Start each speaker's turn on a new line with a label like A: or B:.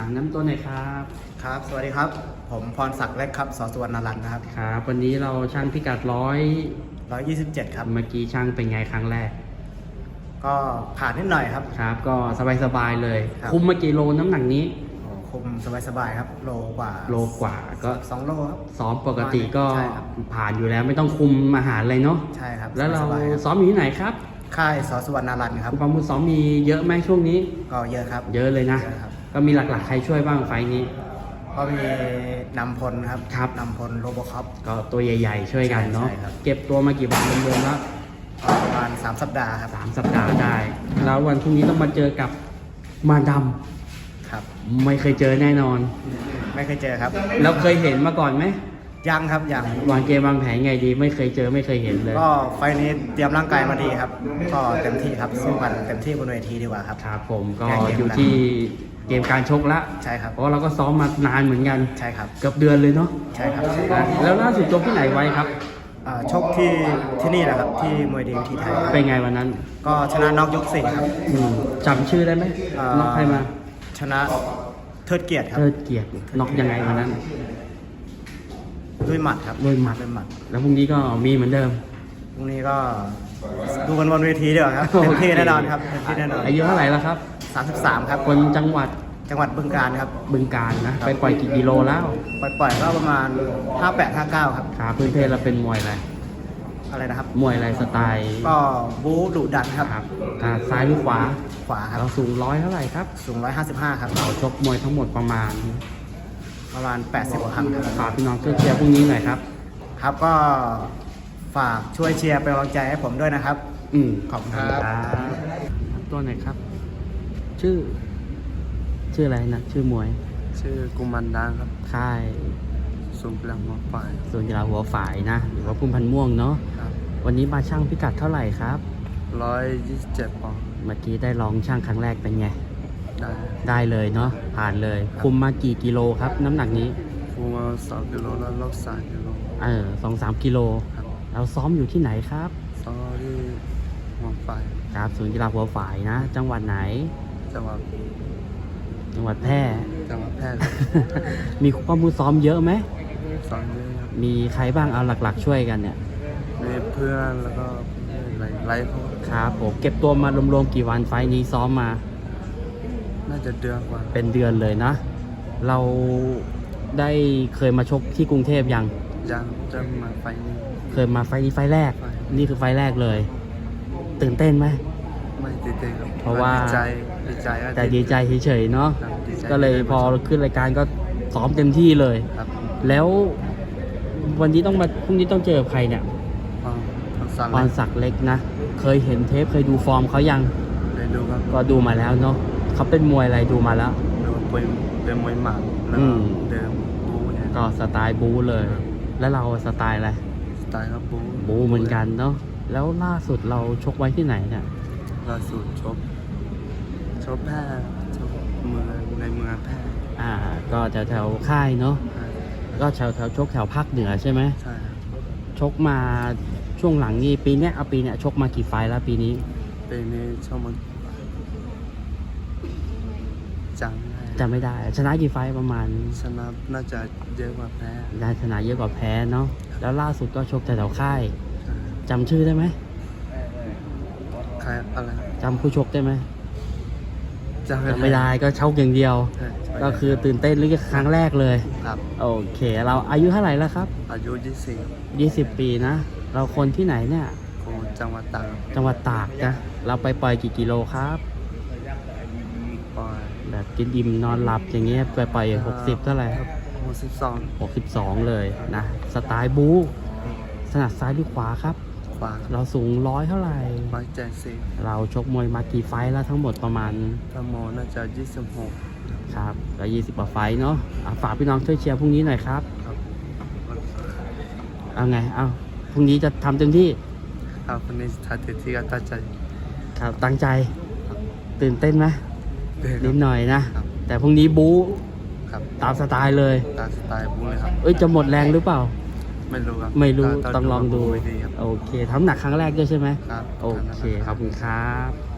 A: น้ำต้นหน่อยครับ
B: ครับ สวัสดีครับ ผมพรศักดิ์เล็กครับสสุวรรณรัตน์นะครับ
A: ครับวันนี้เราช่างพิกัด
B: 127 ครับ
A: เมื่อกี้ช่างเป็นไงครั้งแรก
B: ก็ผ่านนิดหน่อยครับ
A: ครับก็สบายๆเลย
B: ครับ
A: คุมมากี่โลน้ำหนักนี้
B: คุมสบายๆครับ โลกว่า
A: โลกว่าก็
B: 2 โลครับ
A: ซ้อมปกติก็
B: ใช่ครับ
A: ผ่านอยู่แล้วไม่ต้องคุมอาหารเลยเนาะ
B: ใช่ครับ
A: แล้วเรา
B: สบายๆครับ
A: ซ้อมอยู่ที่ไหนครับ
B: ค่ายสสุวรรณรัตน์ครับ
A: ความมือซ้อมมีเยอะไหมช่วงนี้
B: ก็เยอะครับ
A: เยอะเลยนะ
B: เยอะครับ
A: ก็มีหลักๆใครช่วยบ้างไฟล์นี้
B: ก็มีนำพลครับ
A: ครับ
B: นำพลโรโบคอป
A: ก็ตัวใหญ่ๆช่วยกันเนาะ
B: ใช่ครับ
A: เก็บตัวมากี่วันรวมๆแล้ว
B: ประมาณ3 สัปดาห์ครับ
A: 3 สัปดาห์ได้ แล้ววันพรุ่งนี้ต้องมาเจอกับมาด
B: ครับ
A: ำไม่เคยเจอแน่นอน
B: ไม่เคยเจอครับ
A: แล้วเคยเห็นมาก่อนไหม
B: ยังครับยัง
A: วางเกมวางแผนไงดี ไม่เคยเจอไม่เคยเห็นเลย
B: ก็ไฟล์นี้เตรียมร่างกายมาดีครับ ก็เต็มที่ครับสู้กันเต็มที่บนเวทีดีกว่าครับ
A: ครับผมก็
B: แก้เกม
A: อยู่ที่เกมการชกละ
B: ใช่ครับ
A: เพราะเราก็ซ้อมมานานเหมือนกัน
B: ใช่ครับ
A: เกือบเดือนเลยเนาะ
B: ใช่ครับ
A: แล้วล่าสุดจบที่ไหนไว้ครับ
B: ชกที่นี่แหละครับที่มวยดีที่ไทยครับ
A: เป็นไงวันนั้น
B: ก็ชนะน็อกยก 4 ครับ
A: จำชื่อได้ไหมน็อกใครมา
B: ชนะเทิดเกียรติครับ
A: เทิดเกียรติน็อกยังไงวันนั้น
B: ด้วยหมัดครับ
A: ด้วยหมัด
B: ด้วยหมัด
A: แล้วพรุ่งนี้ก็มีเหมือนเดิม
B: พรุ่งนี้ก็ดูกันบนเวทีดีกว่าครับเต็มที่แน่นอนครับเต็มที่แน่นอน
A: อายุเท่าไหร่แล้วครับ
B: 33 ครับ
A: คนจังหวัด
B: จังหวัดบึงกาฬครับ
A: บึงกาฬนะ ไปปล่อยกี่กิโลแล้ว
B: ปล่อยๆก็ประมาณ 58-59 ครับ
A: ขาพื้นเพเราเป็นมวยอะไร
B: อะไรนะครับ
A: มวยอะไรสไตล์
B: ก็บู๊ดุดันครับ
A: ครับซ้ายหรือขวา
B: ขวาครับ
A: เราสูงเท่าไหร่ครับ
B: สูง155 ครับ
A: เราชกมวยทั้งหมดประมาณ
B: 80 กว่าครั้งครับ
A: ฝากพี่น้องช่วยเชียร์พรุ่งนี้หน่อยครับ
B: ครับก็ฝากช่วยเชียร์เป็นกำลังใจให้ผมด้วยนะครับ ขอบคุณครับ
A: ตัวไหนครับ ชื่ออะไรนะ ชื่อมวย
C: ชื่อกุมันดังครับ
A: ค่าย
C: สูงกลางหัวฝ่าย
A: ส่วนกีฬาหัวฝ่ายนะ หรือว่าพุ่มพันธุ์ม่วงเนาะ
C: ครับ
A: วันนี้มาช่างพิกัดเท่าไหร่ครับ
C: 127 ปอนด์
A: เมื่อกี้ได้ลองช่างครั้งแรกเป็นไง
C: ได้
A: ได้เลยเนาะ ผ่านเลย คุมมากี่กิโลครับ น้ำหนักนี้
C: ฟูมา2 กิโลแล้วลด3 กิโล
A: 2-3 กิโล
C: ครับ
A: เราซ้อมอยู่ที่ไหนครับ
C: ซ้อมที่หัวฝ่าย
A: ครับศูนย์กีฬาหัวฝ่ายนะ จังหวัดไหน
C: จังหวัด
A: จังหวัดแพร่
C: จังหวัดแพร่ครับ
A: มีข้อมูลซ้อมเยอะไหม
C: ซ้อมเยอะครับ
A: มีใครบ้างเอาหลักๆช่วยกันเนี่ย
C: มีเพื่อนแล้วก็ไล่พวก
A: ครับผมเก็บตัวมารวมๆกี่วันไฟล์นี้ซ้อมมา
C: น่าจะเดือนกว่า
A: เป็นเดือนเลยนะ เราได้เคยมาชกที่กรุงเทพยัง
C: ยังจะมาไฟนี้
A: เคยมาไฟล์นี้ไฟล์แรก
C: ไฟล์
A: นี่คือไฟล์แรกเลย ตื่นเต้นไหม
C: ไม่ติดเต้นครับ
A: เพราะว่า
C: ดีใจ
A: แต่ดีใจเฉยๆเนาะ
C: ครับดีใจ
A: ก็เลยพอขึ้นรายการก็ซ้อมเต็มที่เลย
C: ครับ
A: แล้ววันนี้ต้องมาพรุ่งนี้ต้องเจอใครเนี่ย
C: สั่ง
A: พรศักดิ์เล็กนะ เคยเห็นเทปเคยดูฟอร์มเขายัง
C: เลยดูครับ
A: ก็ดูมาแล้วเนาะเขาเป็นมวยอะไรดูมาแล้ว
C: ดูเป็นมวยหมัดแล้ว
A: อื
C: ก็
A: ม
C: เดิมบูเนี่ย
A: ก็สไตล์บูเลย แล้วเราสไตล์อะไร
C: สไตล์ครับบู
A: บูเหมือนกันเนาะ แล้วล่าสุดเราชกไว้ที่ไหนเนี่ย
C: ล่าสุดชบแพร่ชบเมืองในเมืองแพร่
A: ก็แถวค่ายเนาะ
C: ใช่
A: ก็แถวชกแถวภาคเหนือใช่ไหม
C: ใช่ครับ
A: ชกมาช่วงหลังนี่ปีเนี้ยชกมากี่ไฟล์แล้วปีนี้
C: ปีนี้ชอบมันจังได้
A: จำไม่ได้ ชนะกี่ไฟล์ประมาณ
C: ชนะน่าจะเยอะกว่าแพ้
A: ได้ชนะเยอะกว่าแพ้เนาะ แล้วล่าสุดก็ชกแถวค่าย
C: ใช่
A: จำชื่อได้ไหม
C: ใครอะไร
A: จำผู้ชกได้ไหม
C: จำ
A: จำไม่ได้ก็ชกอย่างเดียว
C: ใช่
A: ก็คือตื่นเต้นหรือครั้งแรกเลย
C: ครับ
A: โอเค เราอายุเท่าไหร่แล้วครับ
C: อายุ24
A: 20 ปีนะ เราคนที่ไหนเนี่ย
C: ของจังหวัดตาก
A: จังหวัดตากนะ เราไปปล่อยกี่กิโลครับ
C: ปอย
A: แบบกินอิ่มนอนหลับอย่างเงี้ยไปปล่อย60เท่าไหร่ครับ
C: 62
A: 62 เลยนะ สไตล์บู๊ถนัดซ้ายหรือขวาครับ
C: ขวา
A: เราสูงเท่าไหร่
C: 170
A: เราชกมวยมากี่ไฟท์แล้วทั้งหมดประมาณ
C: ถ้าโมน่าจะ26
A: ครับก็20กว่าไฟท์เนาะฝากพี่น้องช่วยเชียร์พรุ่งนี้หน่อยครับ
C: ครับ
A: เอาไง เอาพรุ่งนี้จะทำเต็มที่
C: ครับวันนี้ทัดที่ก็ตั้งใจ
A: ครับตั้งใจ ตื่นเต้นไหม
C: เดิน
A: นิดหน่อยนะ
C: ครับ
A: แต่พรุ่งนี้บู๊
C: ครับ
A: ตามสไตล์เลย
C: ตามสไตล์บูเลยครับ
A: เอ้ยจะหมดแรงหรือเปล่า
C: ไม่รู้ครับ
A: ไม่รู้ต้องลองดู
C: ไม่ดีครับ
A: โอเคทำหนักครั้งแรกด้วยใช่ไหม
C: ครับ
A: โอเคขอบคุณครับ